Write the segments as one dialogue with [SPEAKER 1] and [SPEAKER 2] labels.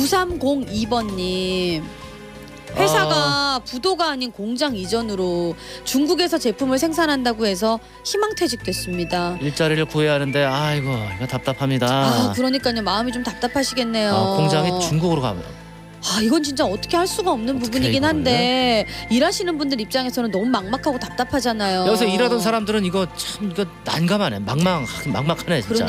[SPEAKER 1] 9302번님. 회사가 부도가 아닌 공장 이전으로 중국에서 제품을 생산한다고 해서 희망퇴직됐습니다.
[SPEAKER 2] 일자리를 구해야 하는데 아이고 이거 답답합니다.
[SPEAKER 1] 그러니까요. 마음이 좀 답답하시겠네요.
[SPEAKER 2] 공장이 중국으로 가면
[SPEAKER 1] 이건 진짜 어떻게 할 수가 없는 부분이긴 한데 일하시는 분들 입장에서는 너무 막막하고 답답하잖아요.
[SPEAKER 2] 여기서 일하던 사람들은 이거 난감하네. 막막하네 진짜.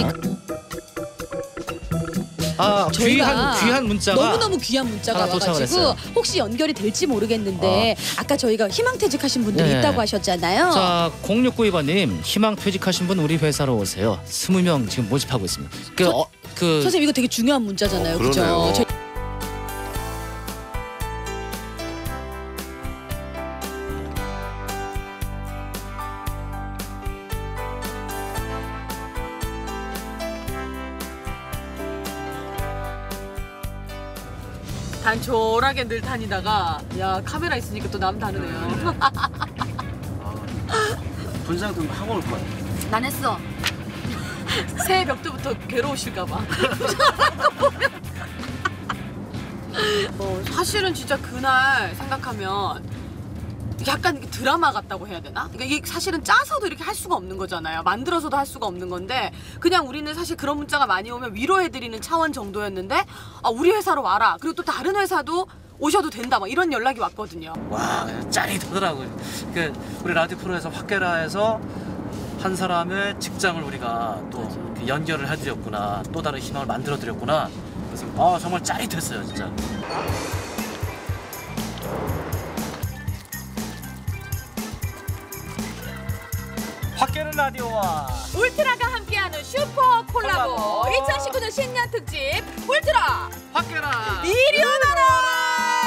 [SPEAKER 2] 귀한 문자가
[SPEAKER 1] 너무너무 귀한 문자가 와가지고 혹시 연결이 될지 모르겠는데 아까 저희가 희망퇴직하신 분들이 있다고 하셨잖아요.
[SPEAKER 2] 자, 0692번님 희망퇴직하신 분 우리 회사로 오세요. 20명 지금 모집하고 있습니다.
[SPEAKER 1] 선생님 이거 되게 중요한 문자잖아요. 그죠?
[SPEAKER 3] 단촐하게 늘 다니다가 야 카메라 있으니까 또 남 다르네요.
[SPEAKER 4] 분장 좀 하고 올 거야.
[SPEAKER 3] 난 했어. 새해 벽두부터 괴로우실까봐. 사실은 진짜 그날 생각하면 약간 드라마 같다고 해야 되나? 그러니까 이게 사실은 짜서도 이렇게 할 수가 없는 거잖아요. 만들어서도 할 수가 없는 건데 그냥 우리는 사실 그런 문자가 많이 오면 위로해드리는 차원 정도였는데 우리 회사로 와라. 그리고 또 다른 회사도 오셔도 된다. 막 이런 연락이 왔거든요.
[SPEAKER 4] 와, 짜릿하더라고요. 우리 라디오 프로에서 확계라에서 한 사람의 직장을 우리가 또 연결을 해드렸구나. 또 다른 희망을 만들어드렸구나. 그래서 정말 짜릿했어요, 진짜. 확계는 라디오와
[SPEAKER 3] 울트라가 함께하는 슈퍼 콜라보 2019년 신년 특집 울트라
[SPEAKER 4] 확계라
[SPEAKER 3] 이리 오너라.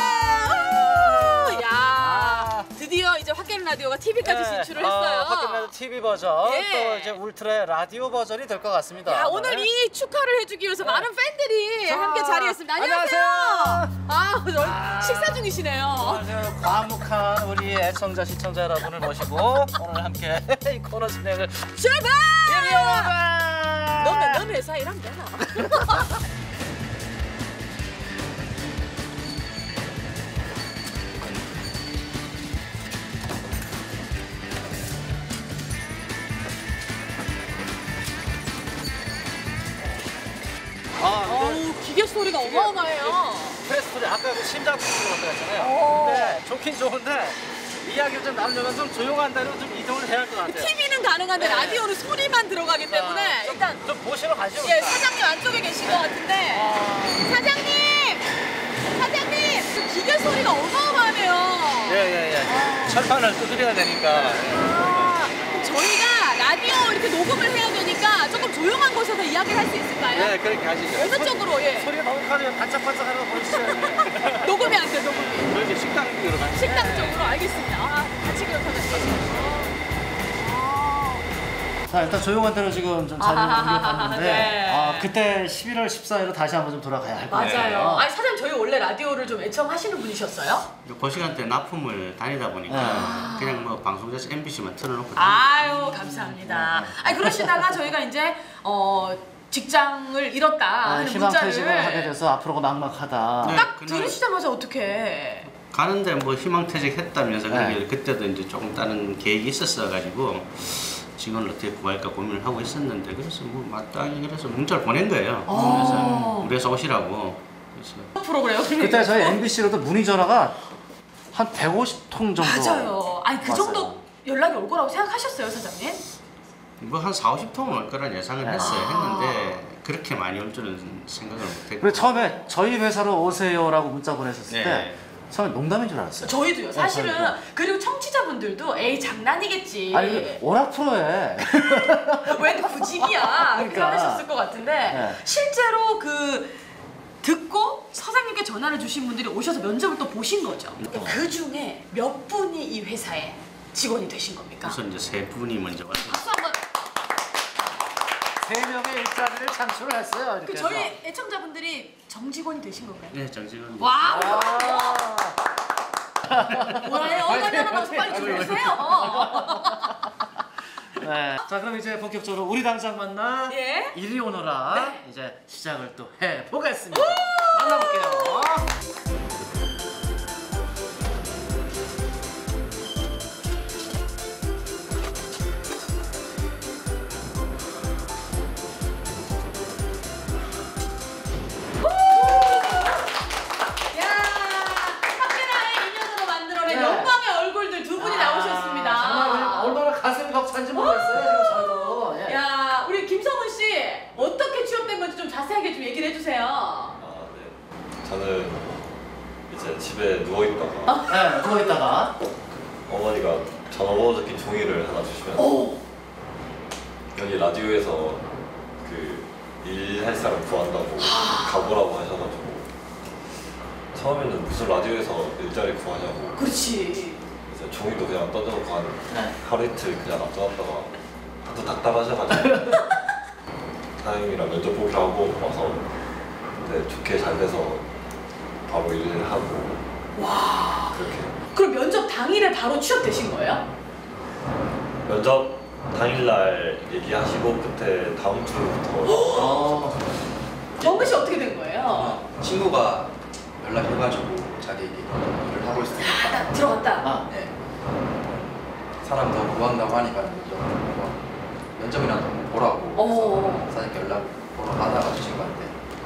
[SPEAKER 3] 야 드디어 이제 확계는 라디오가 TV까지 진출을 했어요.
[SPEAKER 4] 확계는 라디오 TV 버전 또 이제 울트라의 라디오 버전이 될 것 같습니다.
[SPEAKER 3] 야, 오늘 이 축하를 해주기 위해서 많은 팬들이 함께 자리했습니다. 안녕하세요. 식사 중이시네요.
[SPEAKER 4] 안녕하세요. 과묵한 우리 애청자 시청자 여러분을 모시고 오늘 함께 이 코너 진행을
[SPEAKER 3] 출발!
[SPEAKER 4] 이리 오너라.
[SPEAKER 3] 넌 회사 일하면 되나? 기계 소리가 어마어마해요.
[SPEAKER 4] 프레스 소리 아까 그 심장 소리 같다 했잖아요. 근데 좋긴 좋은데 이야기를 좀 나누려면 좀 조용한 데로 좀 이동을 해야 할 것 같아요.
[SPEAKER 3] TV는 가능한데 라디오는 소리만 들어가기 때문에 일단
[SPEAKER 4] 좀 보시러 가시죠.
[SPEAKER 3] 예, 사장님 안쪽에 계신 것 같은데 사장님 기계 소리가 어마어마하네요.
[SPEAKER 4] 예. 철판을 두드려야 되니까.
[SPEAKER 3] 저희가 라디오 이렇게 녹음을 해야 되니까 조금 조용한 곳에서 이야기를 할 수 있을까요?
[SPEAKER 4] 네, 그렇게 하시죠.
[SPEAKER 3] 어느 쪽으로?
[SPEAKER 4] 소리가 너무 커지면 반짝반짝 하는 거 보여주시죠.
[SPEAKER 3] 녹음이 안 돼, 녹음이.
[SPEAKER 4] 저희 식당 쪽으로 가시죠.
[SPEAKER 3] 식당 쪽으로? 알겠습니다. 같이 그렇다면 되시죠.
[SPEAKER 2] 자, 일단 조용한 데로 지금 좀 자리를 옮겨봤는데
[SPEAKER 3] 네.
[SPEAKER 2] 그때 11월 14일로 다시 한번 좀 돌아가야 할 것 같아요.
[SPEAKER 3] 맞아요. 사장님 저희 원래 라디오를 좀 애청하시는 분이셨어요?
[SPEAKER 5] 그 시간대 납품을 다니다 보니까 그냥 뭐 방송국에서 MBC만 틀어놓고
[SPEAKER 3] 아유 감사합니다. 그러시다가 저희가 이제 직장을 잃었다 하는
[SPEAKER 2] 희망퇴직을
[SPEAKER 3] 문자를
[SPEAKER 2] 하게 돼서 앞으로가 막막하다.
[SPEAKER 3] 딱 들으시자마자 어떻게
[SPEAKER 5] 가는데 뭐 희망퇴직했다면서 그때도 이제 조금 다른 계획이 있었어가지고 직원을 어떻게 구할까 고민을 하고 있었는데 그래서 뭐 마땅히 그래서 문자를 보낸 거예요. 그래서 우리 회사 오시라고. 그래서
[SPEAKER 3] 프로그램
[SPEAKER 2] 그때 저희 MBC로도 문의 전화가 한 150통 정도.
[SPEAKER 3] 맞아요. 그 정도 연락이 올 거라고 생각하셨어요, 사장님?
[SPEAKER 5] 뭐 한 40~50통은 올 거란 예상을 했는데 그렇게 많이 올 줄은 생각을 못했고.
[SPEAKER 2] 그리고 처음에 저희 회사로 오세요라고 문자 보냈었을 때 처음에 농담인 줄 알았어요.
[SPEAKER 3] 저희도요. 사실은 그리고 청취자분들도 에이 장난이겠지.
[SPEAKER 2] 워낙 프로에
[SPEAKER 3] 왜 구직이야 그렇게 하셨을 것 같은데 실제로 듣고 사장님께 전화를 주신 분들이 오셔서 면접을 또 보신 거죠. 그 중에 몇 분이 이 회사에 직원이 되신 겁니까?
[SPEAKER 5] 우선 이제 3분이 먼저 왔어요.
[SPEAKER 3] 박수 한번.
[SPEAKER 2] 3명의 일자리를 창출을 했어요. 이렇게
[SPEAKER 3] 저희 애청자분들이 정직원이 되신 건가요?
[SPEAKER 5] 네, 정직원.
[SPEAKER 3] 와. 뭐예요? 얼마나 방송 빨리 들어오세요.
[SPEAKER 2] 자, 그럼 이제 본격적으로 우리 당장 만나 이리 오너라 이제 시작을 또 해보겠습니다. 만나볼게요.
[SPEAKER 3] 야, 카메라의 인연으로 만들어낸
[SPEAKER 2] 네.
[SPEAKER 3] 영광의 얼굴들 두 분이 나오셨습니다.
[SPEAKER 2] 정말 얼마나 가슴이 벅찬지 모르겠어요 지금 저도. 예.
[SPEAKER 3] 야, 우리 김성훈 씨 어떻게 취업된 건지 좀 자세하게 좀 얘기를 해주세요.
[SPEAKER 6] 아, 네. 저는 이제 집에 누워 있다가
[SPEAKER 2] 네, 누워 있다가
[SPEAKER 6] 어머니가 전화번호 적힌 종이를 하나 주시면서
[SPEAKER 3] 오,
[SPEAKER 6] 여기 라디오에서 그 일할 사람 구한다고 가보라고 하셔가지고 처음에는 무슨 라디오에서 일자리 구하냐고
[SPEAKER 3] 그렇지.
[SPEAKER 6] 이제 종이도 그냥 던져놓고 한
[SPEAKER 2] 네.
[SPEAKER 6] 하루 이틀 그냥 놔둬놨다가 하도 답답하셔가지고 사장님이랑 면접 보기로 하고 와서 근데 좋게 잘 돼서 바로 일을 하고
[SPEAKER 3] 와.
[SPEAKER 6] 그렇게
[SPEAKER 3] 그럼 면접 당일에 바로 취업되신 거예요?
[SPEAKER 6] 면접 당일날 얘기하시고 그때 다음 주부터
[SPEAKER 2] 어,
[SPEAKER 3] 정근 씨 어떻게 된 거예요?
[SPEAKER 7] 친구가 연락해가지고 자기 일을 하고 있으니까
[SPEAKER 3] 딱 들어갔다.
[SPEAKER 2] 아,
[SPEAKER 7] 네. 사람 더 구한다고 하니까 면접이라도 보라고
[SPEAKER 3] 어.
[SPEAKER 7] 해서 사장님께 연락 보러 가다가 친구한테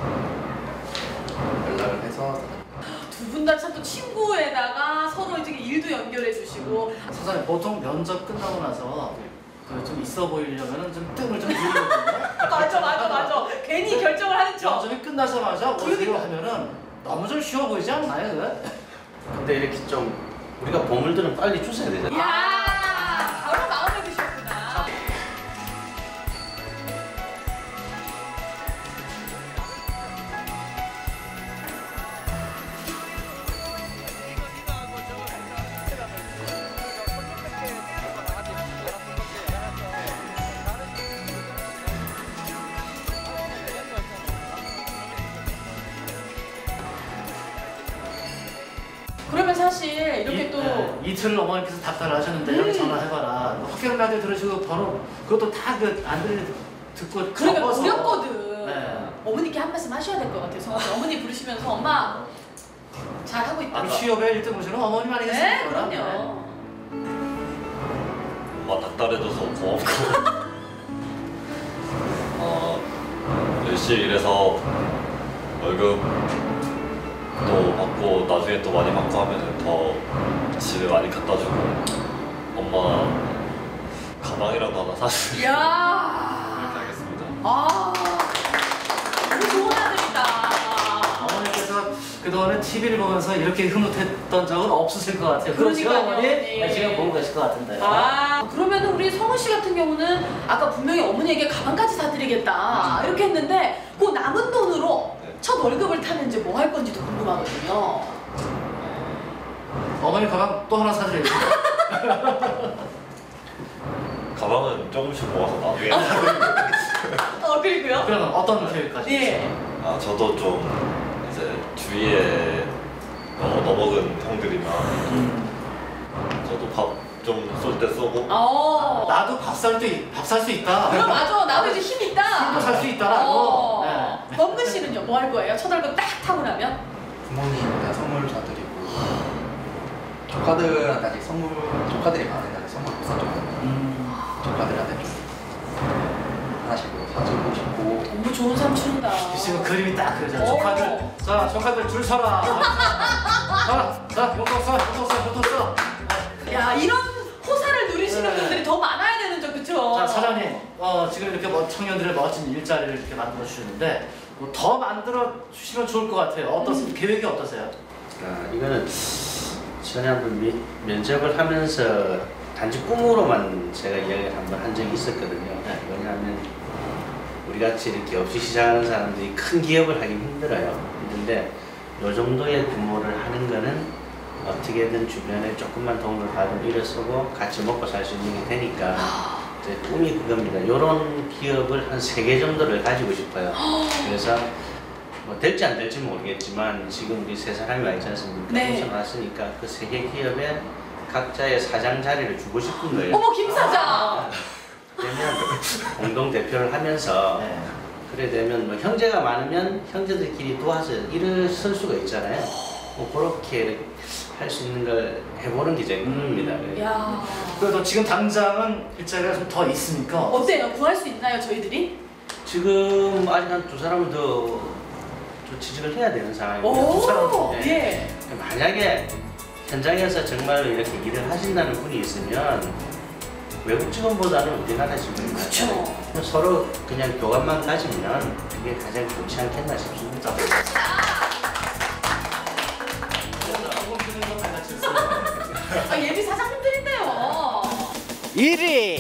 [SPEAKER 7] 연락을 해서
[SPEAKER 3] 두 분 다 참 또 친구에다가 서로 이제 일도 연결해 주시고.
[SPEAKER 2] 사장님 보통 면접 끝나고 나서 그 좀 있어 보이려면은 좀 뜸을 좀 들거든요.
[SPEAKER 3] 맞아. 괜히 결정을 하는 척.
[SPEAKER 2] 면접이 끝나자마자 어디로
[SPEAKER 3] 그러니까.
[SPEAKER 2] 하면은 너무 좀 쉬워 보이지 않나요? 그거?
[SPEAKER 5] 근데 이렇게 좀 우리가 보물들은 빨리 주셔야 되잖아요.
[SPEAKER 3] 이야, 바로 마음에 드셨구나. 그러면 사실 이렇게 또
[SPEAKER 2] 이틀 어머니께서 답변을 하셨는데 여기 전화해봐라. 학교 라디오 들으시고 바로 그것도 다 그 안 들리 듣고
[SPEAKER 3] 그러니까
[SPEAKER 2] 적어서.
[SPEAKER 3] 어렵거든.
[SPEAKER 2] 네.
[SPEAKER 3] 어머니께 한 말씀 하셔야 될 것 같아요. 성원 씨. 어머니 부르시면서 엄마 잘 하고 있다.
[SPEAKER 2] 아, 취업에 1등 보시는 어머님
[SPEAKER 3] 네,
[SPEAKER 2] 아니겠습니까?
[SPEAKER 3] 그럼요.
[SPEAKER 6] 엄마 닥달해줘서 고맙고 열심히 일해서 월급도 받고 나중에 또 많이 받고 하면은 더 집에 많이 갖다 주고 엄마 가방이라도 하나 사주고
[SPEAKER 3] 이야.
[SPEAKER 6] 이렇게 하겠습니다.
[SPEAKER 3] 아, 너무 좋은 아들이다.
[SPEAKER 2] 어머니께서 그동안에 TV를 보면서 이렇게 흐뭇했던 적은 없으실 것 같아요. 그렇죠,
[SPEAKER 3] 그러니까요,
[SPEAKER 2] 어머니?
[SPEAKER 3] 네.
[SPEAKER 2] 네, 지금 보고 계실 것 같은데요.
[SPEAKER 3] 아, 그러면은 우리 성훈 씨 같은 경우는 아까 분명히 어머니에게 가방까지 사드리겠다 이렇게 했는데 그 남은 돈으로
[SPEAKER 6] 네.
[SPEAKER 3] 첫 월급을 타면 이제 뭐 할 건지도 궁금하거든요.
[SPEAKER 2] 어머니 가방 또 하나 사드리겠습니다.
[SPEAKER 6] 가방은 조금씩 모아서 나중에
[SPEAKER 3] 그리고요?
[SPEAKER 2] 그러면 어떤 계획까지?
[SPEAKER 3] 예.
[SPEAKER 6] 아 저도 좀 이제 주위에 얻어먹은 형들이나 저도 밥 좀 쏠 때 쏘고
[SPEAKER 2] 나도 밥 살 수 있다.
[SPEAKER 3] 그럼 맞아. 나도 이제 힘 있다.
[SPEAKER 2] 살 수 있다라고. 네.
[SPEAKER 3] 범근 씨는요? 뭐 할 거예요? 첫 월급 딱 타고 나면?
[SPEAKER 7] 부모님한테 선물 사드리고 조카들한테 아직 조카들이 많은데 선물 못 사줬거든요. 조카들한테 좀 하나씩 사주고 싶고
[SPEAKER 3] 너무 좋은 삼촌이다.
[SPEAKER 2] 지금 그림이 딱 그려져.
[SPEAKER 3] 오.
[SPEAKER 2] 조카들, 자 조카들 줄 서라. 자 용돈 써.
[SPEAKER 3] 야, 이런 호사를 누리시는 분들이 더 많아야 되는 점, 그쵸?
[SPEAKER 2] 자 사장님, 지금 이렇게 청년들의 멋진 일자리를 이렇게 만들어 주시는데 뭐더 만들어 주시면 좋을 것 같아요. 계획이 어떠세요?
[SPEAKER 5] 이거는 전에 한번 면접을 하면서 단지 꿈으로만 제가 이야기를 한번 한 적이 있었거든요. 왜냐하면 우리 같이 이렇게 없이 시작하는 사람들이 큰 기업을 하긴 힘들어요. 힘든데 이 정도의 규모를 하는 거는 어떻게든 주변에 조금만 도움을 받으면 일을 쓰고 같이 먹고 살 수 있는 게 되니까 이제 꿈이 그겁니다. 이런 기업을 한 3개 정도를 가지고 싶어요. 그래서 뭐 될지 안 될지 모르겠지만 지금 우리 3사람이 와 있지 않습니까?
[SPEAKER 3] 네.
[SPEAKER 5] 우선 왔으니까 그 3개 기업에 각자의 사장 자리를 주고 싶은 거예요.
[SPEAKER 3] 어머, 김 사장!
[SPEAKER 5] 그러면 공동 대표를 하면서
[SPEAKER 2] 네.
[SPEAKER 5] 그래 되면 뭐 형제가 많으면 형제들끼리 도와서 일을 쓸 수가 있잖아요. 뭐 그렇게 할 수 있는 걸 해보는 게 제 꿈입니다.
[SPEAKER 1] 야.
[SPEAKER 2] 그래도 지금 당장은 일자리가 좀 더 있으니까
[SPEAKER 1] 어때요? 구할 수 있나요, 저희들이?
[SPEAKER 5] 지금 아직 한 2사람을 더 취직을 해야 되는 상황입니다.
[SPEAKER 1] 오,
[SPEAKER 5] 네.
[SPEAKER 1] 예.
[SPEAKER 5] 만약에 현장에서 정말로 이렇게 일을 하신다는 분이 있으면 외국 직원보다는 우리나라 직원이
[SPEAKER 1] 그쵸.
[SPEAKER 5] 서로 그냥 교감만 가지면 그게 가장 좋지 않겠나 싶습니다.
[SPEAKER 1] 아, 예비 사장님들인데요.
[SPEAKER 4] 1위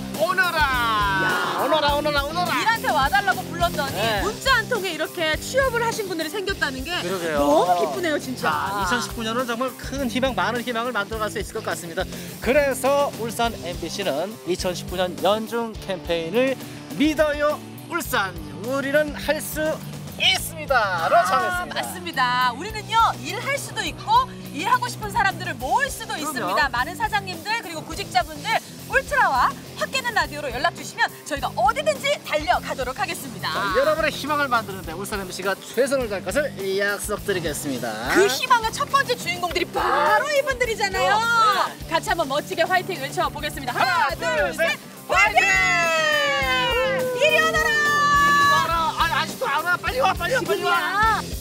[SPEAKER 4] 오너라.
[SPEAKER 3] 일한테 와달라고 불렀더니
[SPEAKER 4] 네.
[SPEAKER 3] 문자 한 통에 이렇게 취업을 하신 분들이 생겼다는 게
[SPEAKER 4] 그러게요.
[SPEAKER 3] 너무 기쁘네요, 진짜.
[SPEAKER 4] 자, 2019년은 정말 큰 희망, 많은 희망을 만들어갈 수 있을 것 같습니다. 그래서 울산 MBC는 2019년 연중 캠페인을 믿어요 울산, 우리는 할 수 있습니다로 정했습니다.
[SPEAKER 3] 맞습니다. 우리는요, 일할 수도 있고 일하고 싶은 사람들을 모을 수도 있습니다. 많은 사장님들 그리고 구직자분들 울트라와 확 깨는 라디오로 연락 주시면 저희가 어디든지 달려가도록 하겠습니다.
[SPEAKER 4] 여러분의 희망을 만드는데 울산 MBC가 최선을 다할 것을 약속드리겠습니다.
[SPEAKER 3] 그 희망의 첫 번째 주인공들이 바로 이분들이잖아요. 같이 한번 멋지게 화이팅 외쳐보겠습니다. 하나, 둘, 셋, 화이팅! 이리 오너라!
[SPEAKER 4] 아직도 안 와. 빨리 와.
[SPEAKER 3] 지금이야.